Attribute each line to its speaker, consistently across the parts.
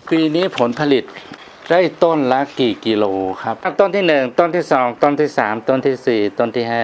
Speaker 1: ปีนี้ผลผลิตได้ต้นละกี่กิโลครับต้นที่1ต้นที่2ต้นที่3ต้นที่4ต้นที่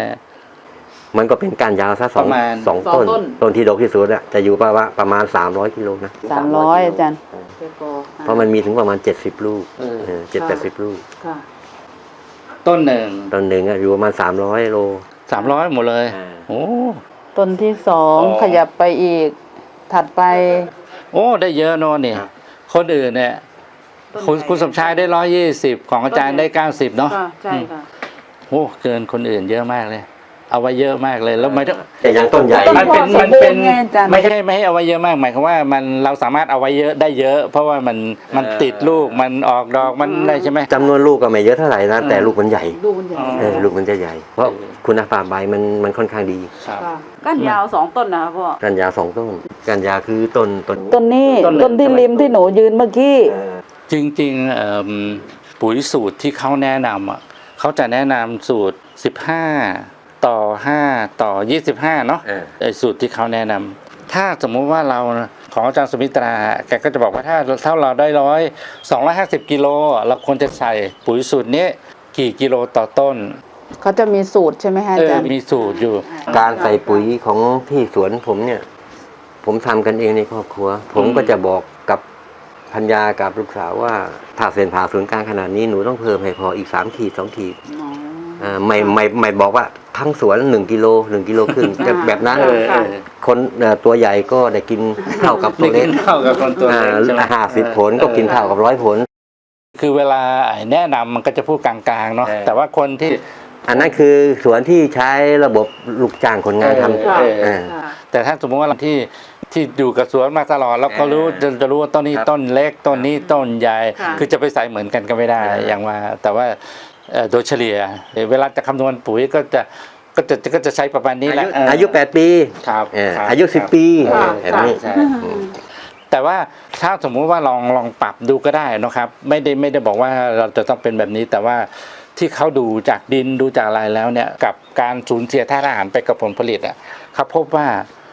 Speaker 1: 5
Speaker 2: มันก็เป็นการยาวซะสอง
Speaker 1: ประมาณ
Speaker 2: ต้นต้นที่ดกที่สุดอะจะอยู่ประมาณ300กิโลนะ
Speaker 3: 300อาจารย์
Speaker 2: เพราะมันมีถึงประมาณ70ลูก70-80ลูก
Speaker 3: ค่ะ
Speaker 1: ต้นหนึ่ง
Speaker 2: ต้นหนึ่งอะอยู่ประมาณ300โล
Speaker 1: 300หมดเลย
Speaker 2: อ่า
Speaker 1: โอ้
Speaker 3: ต้นที่2ขยับไปอีก ถัดไป
Speaker 1: โอ้ได้เยอะโน่นนี่คนอื่นเนี่ยคุณสมชายได้120ของอาจารย์ได้90เนาะ
Speaker 3: ใช่ค่ะ
Speaker 1: โอ้เกินคนอื่นเยอะมากเลย เอาไว้เยอะมากเลยแล้วไม่ต้อง
Speaker 2: แต่ยังต้นใหญ่
Speaker 1: มันเป็น
Speaker 3: ต้นพ่อสมบูรณ์ไงอาจารย์
Speaker 1: ไม่ใช่ไม่ให้เอาไว้เยอะมากหมายความว่ามันเราสามารถเอาไว้เยอะได้เยอะ เพราะว่ามันติดลูกมันออกดอกมันได้ใช่ไหม
Speaker 2: จำนวนลูกก็ไม่เยอะเท่าไหร่นะแต่ลูกมันใหญ่
Speaker 3: ดูมันใหญ่
Speaker 2: ลูกมันจะใหญ่ เพราะคุณภาพใบมันค่อนข้างดี
Speaker 1: ครับ
Speaker 3: ก้านยาว2ต้นนะครับพ่อ
Speaker 2: กันยา2ต้นกันยาคือต้น
Speaker 3: ต้นนี้
Speaker 1: ต้น
Speaker 3: ต้นที่ริมที่หนูยืนเมื่อกี้
Speaker 1: จริงๆปุ๋ยสูตรที่เขาแนะนำอ่ะเขาจะแนะนำสูตร15ต่อ5ต่อ25เนาะไอ้สูตรที่เขาแนะนำถ้าสมมุติว่าเราของอาจารย์สุมิตราแกก็จะบอกว่าถ้าเราได้250กิโลเราควรจะใส่ปุ๋ยสูตรนี้กี่กิโลต่อต้น
Speaker 3: เขาจะมีสูตรใช่ไหมฮะอาจารย์
Speaker 1: มีสูตรอยู่
Speaker 2: การใส่ปุ๋ยของที่สวนผมเนี่ย ผมทำกันเองในครอบครัว ผมก็จะบอกกับพัญญากับลูกสาวว่าถ้าเส้นผ่าศูนย์กลางขนาดนี้หนูต้องเพิ่มให้พออีก3ขีด2ขีดไม่บอกว่าทั้งสวน1กิโล1กิโลครึ่งจะแบบนั้นคนตัวใหญ่ก็ได้กินเท่ากับตัวเล็ก
Speaker 1: เท่ากับคนตัวเล็กใช่ไหม
Speaker 2: 50 ผลก็กินเท่ากับ100 ผล
Speaker 1: คือเวลาแนะนำมันก็จะพูดกลางๆเนาะแต่ว่าคนที่
Speaker 2: อันนั้นคือสวนที่ใช้ระบบลูกจ้างคนงานทำ
Speaker 1: แต่ถ้าสมมติว่าที่อยู่กับสวนมาตลอดแล้วก็รู้จะรู้ว่าต้นนี้ต้นเล็กต้นนี้ต้นใหญ่คือจะไปใส่เหมือนกันก็ไม่ได้อย่างว่าแต่ว่าโดยเฉลี่ยเวลาจะคำนวณปุ๋ยก็จะใช้ประมาณนี้แหละ
Speaker 2: อายุ8 ปี
Speaker 1: ครับ
Speaker 2: อายุ10 ปีแบบนี้
Speaker 1: แต่ว่าถ้าสมมุติว่าลองปรับดูก็ได้นะครับไม่ได้บอกว่าเราจะต้องเป็นแบบนี้แต่ว่าที่เขาดูจากดินดูจากอะไรแล้วเนี่ยกับการสูญเสียธาตุอาหารไปกับผลผลิตอ่ะเขาพบว่า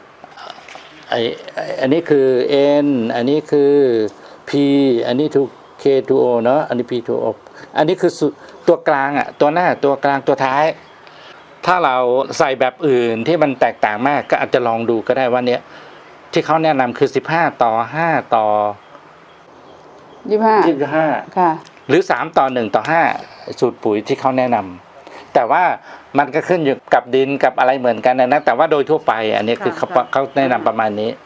Speaker 1: อันนี้คือ N อันนี้คือ P อันนี้ถูก K2O เนาะอันนี้ P2O อันนี้คือตัวกลางอ่ะตัวหน้าตัวกลางตัวท้ายถ้าเราใส่แบบอื่นที่มันแตกต่างมากก็อาจจะลองดูก็ได้ว่าเนี้ยที่เขาแนะนำคือ15ต่อ5ต่อ25
Speaker 3: ค่ะ
Speaker 1: หรือ3ต่อ1ต่อ5สูตรปุ๋ยที่เขาแนะนำแต่ว่ามันก็ขึ้นอยู่กับดินกับอะไรเหมือนกันนะแต่ว่าโดยทั่วไปอันนี้คือเขาแนะนำประมาณนี้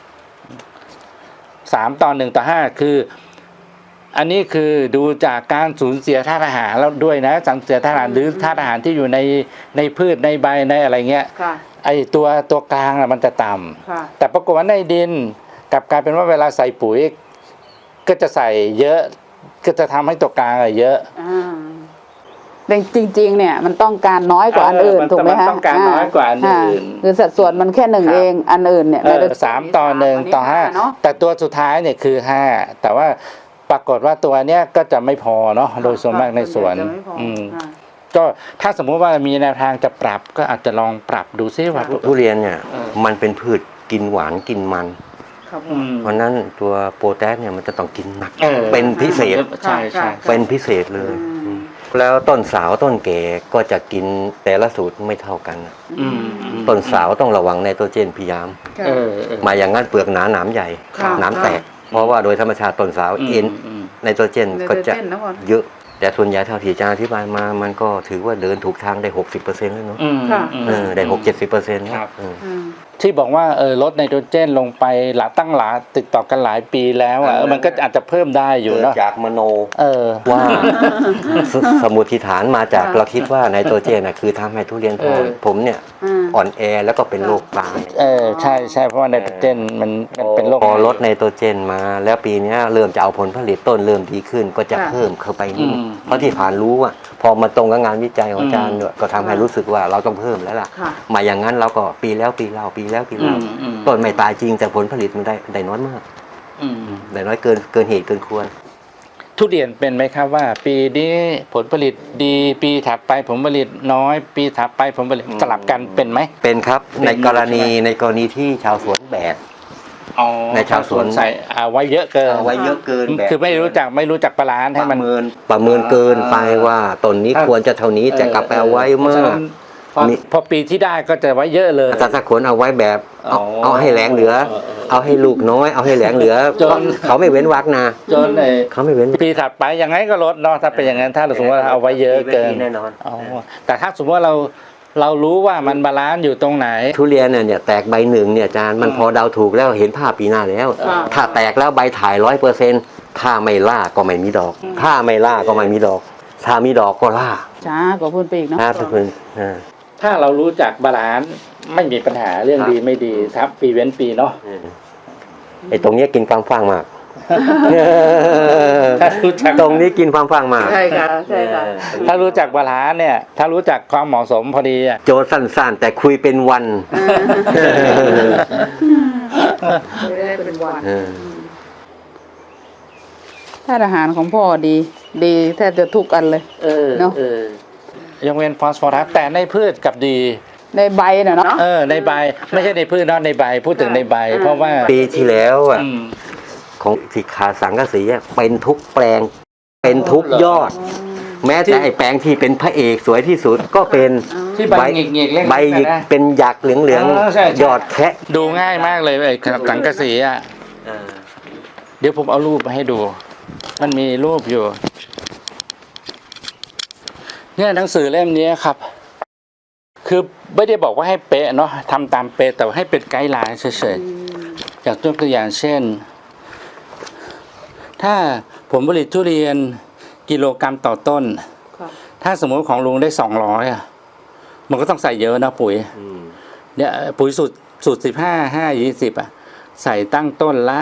Speaker 1: 3ต่อ1ต่อ5คืออันนี้คือดูจากการสูญเสียธาตุอาหารแล้วด้วยนะสูญเสียธาตุอาหารหรือธาตุอาหารที่อยู่ในพืชในใบในอะไรเงี้ยไอตัวกลางมันจะต่ำแต่ปรากฏว่าในดินกลับกลายเป็นว่าเวลาใส่ปุ๋ยก็จะใส่เยอะก็จะทำให้ตัวกลางเยอะ
Speaker 3: แต่จริงๆเนี่ยมันต้องการน้อยกว่าอันอื่นถูกไหมคะ
Speaker 1: ต้องการน้อยกว่าอันอื่น
Speaker 3: คือสัดส่วนมันแค่1เองอันอื่นเนี่ย
Speaker 1: 3ต่อ1ต่อ5แต่ตัวสุดท้ายเนี่ยคือ5แต่ว่าปรากฏว่าตัวเนี้ยก็จะไม่พอเนาะโดยส่วนมากในสวนก็ถ้าสมมุติว่ามีแนวทางจะปรับก็อาจจะลองปรับดูซิว่า
Speaker 2: ทุเรียนเนี่ยมันเป็นพืชกินหวานกินมันเพราะนั้นตัวโปรแทสเนี่ยมันจะต้องกินหนักเป็นพิเศษเป็นพิเศษเลยแล้วต้นสาวต้นแก่ก็จะกินแต่ละสูตรไม่เท่ากันต้นสาวต้องระวังไนโตรเจนพยายามมาอย่างนั้นเปลือกหนาหนามใหญ่หนามแตกเพราะว่าโดยธรรมชาติต้นสาวไนโตรเจนก็จะเยอะแต่ส่วนใหญ่เท่าที่อาจารย์อธิบายมามันก็ถือว่าเดินถูกทางได้ 60% แล้วเนาะได้60-70%ครับ
Speaker 1: ที่บอกว่าลดไนโตรเจนลงไปตั้งติดต่อกันหลายปีแล้วมันก็อาจจะเพิ่มได้อยู่เนาะ
Speaker 2: จากมโนว่าสมมุติฐานมาจากเราคิดว่าไนโตรเจนคือทำให้ทุเรียนผมเนี่ยอ่อนแอแล้วก็เป็นโรคตาย
Speaker 1: ใช่เพราะว่าไนโตรเจนมันเป็นโรค
Speaker 2: พอลดไนโตรเจนมาแล้วปีนี้เริ่มจะเอาผลผลิตต้นเริ่มดีขึ้นก็จะเพิ่มเข้าไปนิดเพราะที่ผ่านรู้ว่าพอมาตรงกับงานวิจัยของอาจารย์ก็ทำให้รู้สึกว่าเราต้องเพิ่มแล้วล่ะมาอย่างนั้นเราก็ปีแล้วปีเล่าต้นไม่ตายจริงแต่ผลผลิตมันได้น้อยมากได้น้อยเกินเหตุเกินควร
Speaker 1: ทุเรียนเป็นไหมครับว่าปีนี้ผลผลิตดีปีถัดไปผลผลิตน้อยปีถัดไปผลผลิตสลับกันเป็นไหม
Speaker 2: เป็นครับในกรณีที่ชาวสวนแบก
Speaker 1: อ๋อ
Speaker 2: ในชาวสวน
Speaker 1: ใส่เอาไว้เยอะเกิน
Speaker 2: เอาไว้เยอะเกินแบบ
Speaker 1: คือไม่รู้จักบาลานซ์ให้มัน
Speaker 2: ประเมินเกินไปว่าต้นนี้ควรจะเท่านี้แต่กลับไปเอาไว้มาก
Speaker 1: พอปีที่ได้ก็จะไว้เยอะเลย
Speaker 2: แต่ถ้าคนเอาไว้แบบเอาให้แหลงเหลือ เอาให้ลูกน้อยเอาให้แหลงเหลือ
Speaker 1: จน
Speaker 2: เขาไม่เว้นวรรคนะ
Speaker 1: จนไอ้
Speaker 2: เขาไม่เว้น
Speaker 1: ปีถัดไปยังไงก็ลดเนาะถ้าเป็นอย่างนั้นถ้าเราสมมติว่าเอาไว้เยอะเกิน
Speaker 2: แน่นอน
Speaker 1: อ๋อแต่ถ้าสมมติว่าเรารู้ว่ามันบาลานซ์อยู่ตรงไหน
Speaker 2: ทุเรียนเนี่ยแตกใบหนึ่งเนี่ยอาจารย์มันพอเดาถูกแล้วเห็นภาพปีหน้าแล้ว ถ้าแตกแล้วใบถ่าย100%ถ้าไม่ล่าก็ไม่มีดอก ถ้าไม่ล่าก็ไม่มีดอก ถ้ามีดอกก็ล่า
Speaker 3: ช้ากว่าพูนไปอีกเนาะ
Speaker 2: ถ้าเพิ่น
Speaker 1: ถ้าเรารู้จักบาลานซ์ไม่มีปัญหาเรื่องดีไม่ดีครับปีเว้นปีเนาะ
Speaker 2: ไอ้ตรงเนี้ยกินความฟังมาก
Speaker 1: ถ้ารู้จัก
Speaker 2: ตรงนี้กินความฟังมาก
Speaker 3: ใช่ค่ะใช่ค่ะ
Speaker 1: ถ้ารู้จักบาลานซ์เนี่ยถ้ารู้จักความเหมาะสมพอดีอะ
Speaker 2: โจทย์สั้นๆ แต่คุยเป็นวัน
Speaker 3: ไม่ได้เป็นวัน
Speaker 2: เออ
Speaker 3: ถ้าอาหารของพ่อดีแทบจะทุกอันเลย เนอะ
Speaker 1: ยังเว้นฟอสฟอรัสแต่ในพืชกับดี
Speaker 3: ในใบน่ะเนาะ
Speaker 1: ในใบไม่ใช่ในพืชเนาะในใบพูดถึงในใบ เพราะว่า
Speaker 2: ปีที่แล้วอ่ะ
Speaker 1: อืม
Speaker 2: ของสิขาสังกะสีอะเป็นทุกแปลง เป็นทุกยอด แม้แต่ไอ้แปลงที่เป็นพระเอกสวยที่สุดก็เป็น
Speaker 1: ที่ใบหงิกๆเล็กๆ
Speaker 2: ใบหยิก
Speaker 1: นะ
Speaker 2: เป็นหยักเหลือง
Speaker 1: ใช่
Speaker 2: ๆยอดแคะ
Speaker 1: ดูง่ายมากเลยไอ้สังกะสีอ่ะเดี๋ยวผมเอารูปมาให้ดู มันมีรูปอยู่ เนี่ยหนังสือเล่มนี้ครับ คือไม่ได้บอกว่าให้เป๊ะเนาะทำตามเป๊ะแต่ว่าให้เป็นไกด์ไลน์เฉยๆอย่างตัวอย่างเช่น ถ้าผมผลิตทุเรียนกิโลกรัมต่อต้น ถ้าสมมติของลุงได้200อ่ะมันก็ต้องใส่เยอะนะปุ๋ยเนี่ยปุ๋ยสูตร15 5 20อ่ะใส่ตั้งต้นละ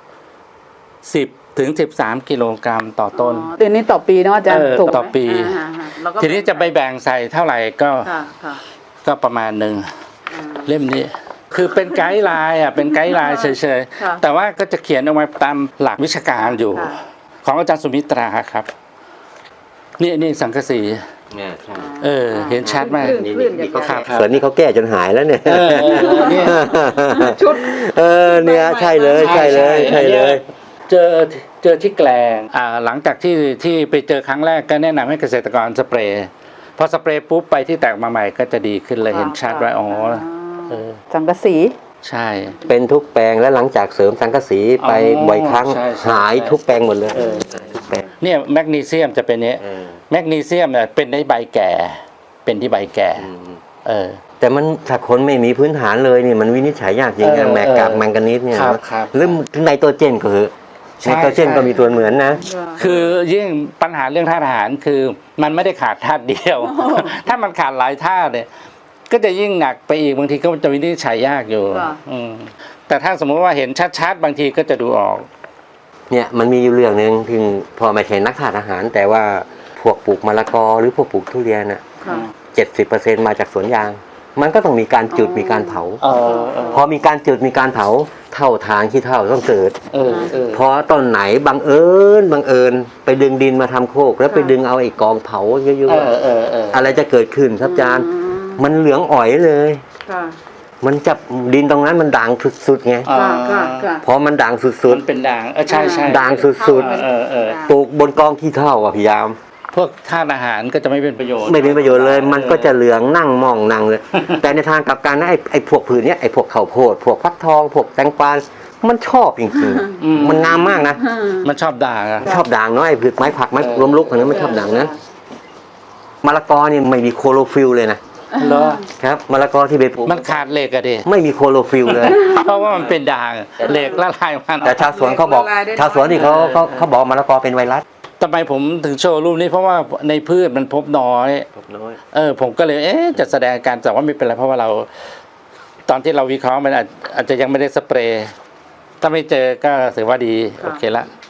Speaker 1: 10 ถึง 13 กิโลกรัมต่อต้น
Speaker 3: ตัวนี้ต่อปีเนาะอาจารย์ถูกไหม
Speaker 1: ต่อปี
Speaker 3: แล้วก็
Speaker 1: ทีนี้จะไปแบ่งใส่เท่าไหร่ก็
Speaker 3: ค่ะ
Speaker 1: ก็ประมาณหนึ่งเล่มนี้ คือเป็นไกด์ไลน์อ่ะเป็นไกด์ไลน์เฉย
Speaker 3: ค่ะ
Speaker 1: ๆแต่ว่าก็จะเขียนเอาไว้ตามหลักวิชาการอยู่
Speaker 3: ค่ะ
Speaker 1: ของอาจารย์สุมิตราครับนี่สังกะสีเห็นชัดมาก
Speaker 2: นี่เขา
Speaker 1: ครับ
Speaker 2: ส่วนนี้เขาแก้จนหายแล้วเนี่ย
Speaker 1: เนี่ย
Speaker 3: ชุด
Speaker 2: เนี่ยใช่เลยใช่เลยใช่เลย
Speaker 1: เจอที่แกลงหลังจากที่ไปเจอครั้งแรกก็แนะนำให้เกษตรกรสเปรย์พอสเปรย์ปุ๊บไปที่แตกมาใหม่ก็จะดีขึ้นเลยเห็นชัดว่าอ๋อ
Speaker 3: สังกะสี
Speaker 1: ใช่
Speaker 2: เป็นทุกแปลงแล้วหลังจากเสริมสังกะสีไปบ่อยครั้ง
Speaker 1: ใช่
Speaker 2: หายทุกแปลงหมดเลยทุกแปลง
Speaker 1: เนี่ยแมกนีเซียมจะเป็นเนี้ยแมกนีเซียมเนี่ยเป็นในใบแก่เป็นที่ใบแก่
Speaker 2: แต่มันถ้าคนไม่มีพื้นฐานเลยนี่มันวินิจฉัยยากจริงนะแมกกับแมงกานีสเนี่ย
Speaker 1: ครับ
Speaker 2: หรือไนโตรเจนก็คือไนโตรเจนก็มีส่วนเหมือนนะ
Speaker 1: คือยิ่งปัญหาเรื่องธาตุอาหารคือมันไม่ได้ขาดธาตุเดียว ถ้ามันขาดหลายธาตุเนี่ยก็จะยิ่งหนักไปอีกบางทีก็จะวินิจฉัยยากอยู่แต่ถ้าสมมติว่าเห็นชัดๆบางทีก็จะดูออก
Speaker 2: เนี่ยมันมีอยู่เรื่องหนึ่งถึงพอไม่ใช่นักธาตุอาหาร แต่ว่าพวกปลูกมะละกอหรือพวกปลูกทุเรียนอ่ะ 70%มาจากสวนยาง มันก็ต้องมีการจุดมีการเผาพอมีการจุดมีการเผาเท่าทางที่เท่าต้องเกิดพอต้นไหนบังเอิญไปดึงดินมาทำโคกแล้วไปดึงเอาไอ้กองเผาเยอะๆอะไรจะเกิดขึ้นครับอาจารย์มันเหลืองอ่อยเลยมันจับดินตรงนั้นมันด่างสุดๆไงพอมันด่างสุด
Speaker 1: มันเป็นด่างใช่
Speaker 2: ๆด่างสุดๆปลูกบนกองขี้เถ้าพยายาม
Speaker 1: พวกธาตุอาหารก็จะไม่เป็นประโยชน์
Speaker 2: ไม่เป็นประโยชน์เลยมันก็จะเหลืองนั่งมองนั่งเลย แต่ในทางกลับกันนะไอ้พวกผืนเนี้ยไอ้พวกข้าวโพดพวกฟักทองพวกแตงกวามันชอบจริงๆมันงามมากนะ
Speaker 1: มันชอบด่างอะ
Speaker 2: ชอบด่างเนาะไอ้ผืนไม้ผักไม้ล้มลุกพวกนั้นมันชอบด่างนะมะละกอนี่ไม่มีโคโรฟิลเลยนะ
Speaker 1: เหรอ
Speaker 2: ครับมะละกอที่ไปปลูก
Speaker 1: มันขาดเหล็กอะดิ
Speaker 2: ไม่มีโคโรฟิลเลย
Speaker 1: เพราะว่ามันเป็นด่างเหล็กละลายมัน
Speaker 2: แต่ชาวสวนเขาบอกชาวสวนที่เขาบอกมะละกอเป็นไวรัส
Speaker 1: ทำไมผมถึงโชว์รูปนี้เพราะว่าในพืชมันพบน้อยผมก็เลยจะแสดงการแต่ว่าไม่เป็นไรเพราะว่าเราตอนที่เราวิเคราะห์มันอาจจะยังไม่ได้สเปรย์ถ้าไม่เจอก็ถือว่าดีโอเคละ